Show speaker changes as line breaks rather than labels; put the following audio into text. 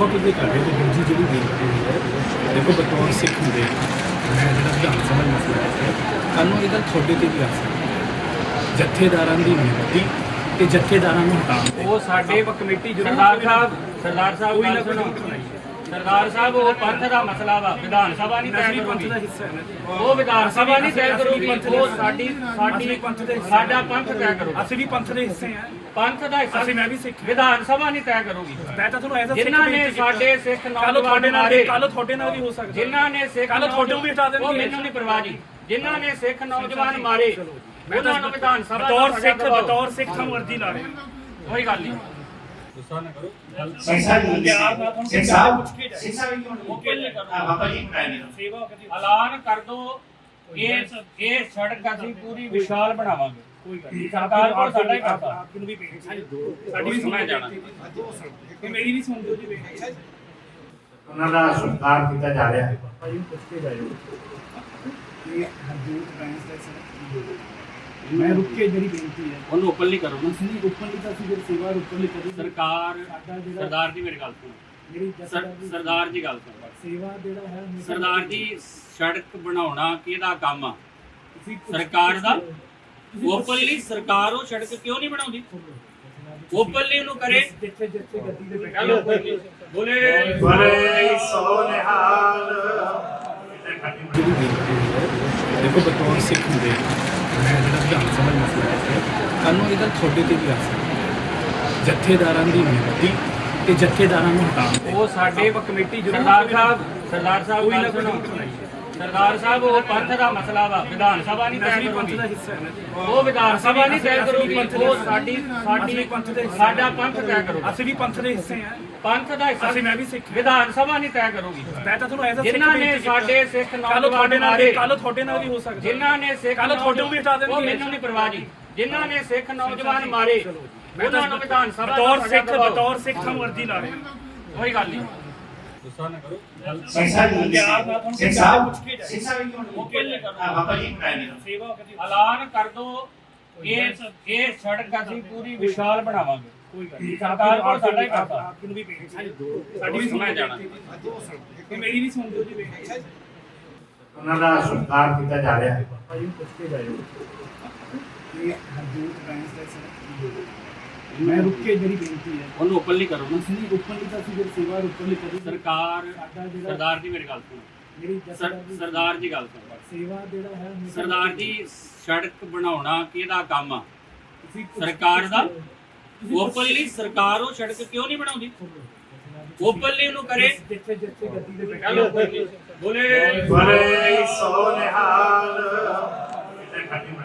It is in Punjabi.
ਬਹੁਤ ਉਹਦੇ ਘਰ ਦੇ ਦੂਜੀ ਜਿਹੜੀ ਬੇਨਤੀ ਹੈ ਦੇਖੋ ਬਤੌਰ ਸਿੱਖ ਹੁੰਦੇ ਮੈਂ ਜਿਹੜਾ ਵਿਧਾਨ ਸਭਾ ਮਸਲਾ ਹੈ ਕੱਲ੍ਹ ਨੂੰ ਇਹ ਗੱਲ ਤੁਹਾਡੇ ਤੇ ਵੀ ਆ ਸਕਦੀ ਜਥੇਦਾਰਾਂ ਦੀ ਨਿਯੁਕਤੀ ਤੇ ਜਥੇਦਾਰਾਂ ਨੂੰ ਹਟਾਉਣ
ਉਹ ਸਾਡੇ
ਕਮੇਟੀ
ਸਰਦਾਰ ਸਾਹਿਬ ਗੱਲ ਸੁਣੋ ਸਰਦਾਰ ਸਾਹਿਬ ਉਹ ਪੰਥ ਦਾ ਮਸਲਾ ਵਾ ਵਿਧਾਨ ਸਭਾ ਨਹੀਂ ਤੈਅ ਕਰੂਗੀ
ਦਾ ਹਿੱਸਾ ਹੈ ਨਾ ਜੀ।
ਉਹ ਵਿਧਾਨ ਸਭਾ ਨਹੀਂ ਤੈਅ ਕਰੂਗੀ ਉਹ ਸਾਡਾ ਪੰਥ ਤੈਅ ਕਰੂਗਾ
ਅਸੀਂ ਵੀ ਪੰਥ ਦੇ ਹਿੱਸੇ ਆ
ਪੰਥ ਦਾ ਹਿੱਸਾ
ਅਸੀਂ ਮੈਂ ਵੀ ਸਿੱਖ
ਵਿਧਾਨ ਸਭਾ ਨਹੀਂ ਤੈਅ ਕਰੂਗੀ
ਮੈਂ ਤਾਂ ਤੁਹਾਨੂੰ ਐਸਾ
ਜਿਨ੍ਹਾਂ ਨੇ ਸਾਡੇ ਸਿੱਖ ਨੌਜਵਾਨ ਮਾਰੇ
ਕੱਲ ਤੁਹਾਡੇ ਨਾਲ ਵੀ ਹੋ ਸਕਦਾ
ਜਿਨ੍ਹਾਂ ਨੇ ਸਿੱਖ
ਕੱਲ੍ਹ ਤੁਹਾਡੇ ਵੀ ਹਟਾ ਦੇਣਗੇ।
ਉਹ ਮੈਨੂੰ ਨਹੀਂ ਪਰਵਾਹ ਜੀ ਜਿਨ੍ਹਾਂ ਨੇ ਸਿੱਖ ਨੌਜਵਾਨ ਮਾਰੇ ਉਹਨਾਂ ਨੂੰ ਵਿਧਾਨ ਸਭਾ
ਬਤੌਰ ਸਿੱਖ ਤੁਹਾਨੂੰ ਅਰਜ਼ੀ ਲਾ ਰਹੇ
ਕੋਈ ਗੱਲ ਨਹੀਂ
ਗੁੱਸਾ ਨਾ ਕਰੋ ਐਲਾਨ ਕਰ ਦੋ ਇਹ ਸੜਕ ਅਸੀਂ ਪੂਰੀ ਵਿਸ਼ਾਲ ਬਣਾਵਾਂਗੇ ਕੋਈ ਗੱਲ ਨਹੀਂ ਸਰਕਾਰ ਕੋਲ ਸਾਡਾ ਹੀ ਕਰਦਾ ਆਪ ਨੂੰ ਵੀ ਬੇਨਤੀ ਸਾਡੀ ਵੀ ਸੁਣਿਆ ਜਾਣਾ ਕਿ ਮੇਰੀ ਵੀ ਸੁਣ ਦਿਓ ਜੀ ਬੇਨਤੀ
ਉਹਨਾਂ ਦਾ ਸਤਿਕਾਰ ਕੀਤਾ ਜਾ ਰਿਹਾ ਹੈ
ਭਾਈ ਨੂੰ ਪੁੱਛ ਕੇ ਜਾਇਓ ਕਿ ਹਰਜੀਤ ਬੈਂਸ ਦਾ ਸਰ ਮੈਂ ਰੁੱਕ ਕੇ ਜਿਹੜੀ ਬੇਨਤੀ ਹੈ
ਉਹਨੂੰ ਓਪਨਲੀ ਕਰੋ ਨਾ
ਅਸੀਂ ਓਪਨਲੀ ਤਾਂ ਅਸੀਂ ਫਿਰ ਸੇਵਾ ਓਪਨਲੀ ਕਰੀ
ਸਰਕਾਰ
ਸਾਡਾ ਜਿਹੜਾ
ਸਰਦਾਰ ਜੀ ਮੇਰੀ ਗੱਲ ਸੁਣੋ
ਮੇਰੀ
ਸਰਦਾਰ ਜੀ ਗੱਲ ਸੁਣੋ
ਸੇਵਾ ਜਿਹੜਾ ਹੈ
ਸਰਦਾਰ ਜੀ ਸੜਕ ਬਣਾਉਣਾ ਕਿਹਦਾ ਕੰਮ ਆ
ਤੁਸੀਂ
ਸਰਕਾਰ ਦਾ ਓਪਨਲੀ ਸਰਕਾਰ ਉਹ ਸੜਕ ਕਿਉਂ ਨਹੀਂ ਬਣਾਉਂਦੀ ਓਪਨਲੀ ਉਹਨੂੰ ਕਰੇ
ਜਿੱਥੇ ਜਿੱਥੇ ਗੱਡੀ ਦੇ ਬੈਠੇ
ਚਲੋ ਬੋਲੇ
ਬੜੇ ਸੋ ਨਿਹਾਲ
ਜਿਹੜੀ ਬੇਨਤੀ ਹੈ ਦੇਖੋ ਬਤੌਰ ਸਿੱਖ ਹੁੰਦੇ ਮੈਂ ਜਿਹੜਾ ਵਿਧਾਨ ਸਭਾ ਮਸਲਾ ਹੈ ਕੱਲ੍ਹ ਨੂੰ ਇਹ ਗੱਲ ਤੁਹਾਡੇ ਤੇ ਵੀ ਆ ਸਕਦੀ ਜਥੇਦਾਰਾਂ ਦੀ ਨਿਯੁਕਤੀ ਤੇ ਜਥੇਦਾਰਾਂ ਨੂੰ ਹਟਾਉਣ
ਉਹ ਸਾਡੇ
ਕਮੇਟੀ
ਸਰਦਾਰ ਸਾਹਿਬ ਗੱਲ ਸੁਣੋ ਸਰਦਾਰ ਸਾਹਿਬ ਉਹ ਪੰਥ ਦਾ ਮਸਲਾ ਵਾ ਵਿਧਾਨ ਸਭਾ ਨਹੀਂ ਤੈਅ ਕਰੂਗੀ
ਦਾ ਹਿੱਸਾ ਹੈ ਨਾ ਜੀ।
ਉਹ ਵਿਧਾਨ ਸਭਾ ਨਹੀਂ ਤੈਅ ਕਰੂਗੀ ਉਹ ਸਾਡਾ ਪੰਥ ਤੈਅ ਕਰੂਗਾ
ਅਸੀਂ ਵੀ ਪੰਥ ਦੇ ਹਿੱਸੇ ਆ
ਪੰਥ ਦਾ ਹਿੱਸਾ
ਅਸੀਂ ਮੈਂ ਵੀ ਸਿੱਖ
ਵਿਧਾਨ ਸਭਾ ਨਹੀਂ ਤੈਅ ਕਰੂਗੀ
ਮੈਂ ਤਾਂ ਤੁਹਾਨੂੰ ਐਸਾ
ਜਿਨ੍ਹਾਂ ਨੇ ਸਾਡੇ ਸਿੱਖ ਨੌਜਵਾਨ ਮਾਰੇ
ਕੱਲ ਤੁਹਾਡੇ ਨਾਲ ਵੀ ਹੋ ਸਕਦਾ
ਜਿਨ੍ਹਾਂ ਨੇ ਸਿੱਖ
ਕੱਲ੍ਹ ਤੁਹਾਡੇ ਵੀ ਹਟਾ ਦੇਣਗੇ।
ਉਹ ਮੈਨੂੰ ਨਹੀਂ ਪਰਵਾਹ ਜੀ ਜਿਨ੍ਹਾਂ ਨੇ ਸਿੱਖ ਨੌਜਵਾਨ ਮਾਰੇ ਉਹਨਾਂ ਨੂੰ ਵਿਧਾਨ ਸਭਾ
ਬਤੌਰ ਸਿੱਖ ਤੁਹਾਨੂੰ ਅਰਜ਼ੀ ਲਾ ਰਹੇ
ਕੋਈ ਗੱਲ ਨਹੀਂ
ਗੁੱਸਾ ਨਾ ਕਰੋ
ਐਲਾਨ ਕਰ ਦੋ ਇਹ ਸੜਕ ਅਸੀਂ ਪੂਰੀ ਵਿਸ਼ਾਲ ਬਣਾਵਾਂਗੇ
ਕੋਈ ਗੱਲ ਨਹੀਂ
ਸਰਕਾਰ ਕੋਲ ਸਾਡਾ ਹੀ ਕਰਦਾ
ਆਪ ਨੂੰ ਵੀ ਬੇਨਤੀ
ਸਾਡੀ ਵੀ ਸੁਣਿਆ ਜਾਣਾ
ਕਿ ਮੇਰੀ ਵੀ ਸੁਣ ਦਿਓ ਜੀ ਬੇਨਤੀ
ਉਹਨਾਂ ਦਾ ਸਤਿਕਾਰ ਕੀਤਾ ਜਾ ਰਿਹਾ ਹੈ
ਭਾਈ ਨੂੰ ਪੁੱਛ ਕੇ ਜਾਇਓ ਕਿ ਹਰਜੀਤ ਬੈਂਸ ਦਾ ਸਰ ਮੈਂ ਰੁੱਕ ਕੇ ਜਿਹੜੀ ਬੇਨਤੀ ਹੈ
ਉਹਨੂੰ ਓਪਨਲੀ ਕਰੋ ਨਾ
ਅਸੀਂ ਓਪਨਲੀ ਤਾਂ ਅਸੀਂ ਫਿਰ ਸੇਵਾ ਓਪਨਲੀ ਕਰੀ
ਸਰਕਾਰ
ਸਾਡਾ ਜਿਹੜਾ
ਸਰਦਾਰ ਜੀ ਮੇਰੀ ਗੱਲ ਸੁਣੋ
ਮੇਰੀ
ਸਰਦਾਰ ਜੀ ਗੱਲ ਸੁਣੋ
ਸੇਵਾ ਜਿਹੜਾ ਹੈ
ਸਰਦਾਰ ਜੀ ਸੜਕ ਬਣਾਉਣਾ ਕਿਹਦਾ ਕੰਮ ਆ
ਤੁਸੀਂ
ਸਰਕਾਰ ਦਾ ਓਪਨਲੀ ਸਰਕਾਰ ਉਹ ਸੜਕ ਕਿਉਂ ਨਹੀਂ ਬਣਾਉਂਦੀ ਓਪਨਲੀ ਉਹਨੂੰ ਕਰੇ
ਜਿੱਥੇ ਜਿੱਥੇ ਗੱਡੀ ਦੇ ਬੈਠੇ
ਚਲੋ ਬੋਲੇ
ਬੜੇ ਸੋ ਨਿਹਾਲ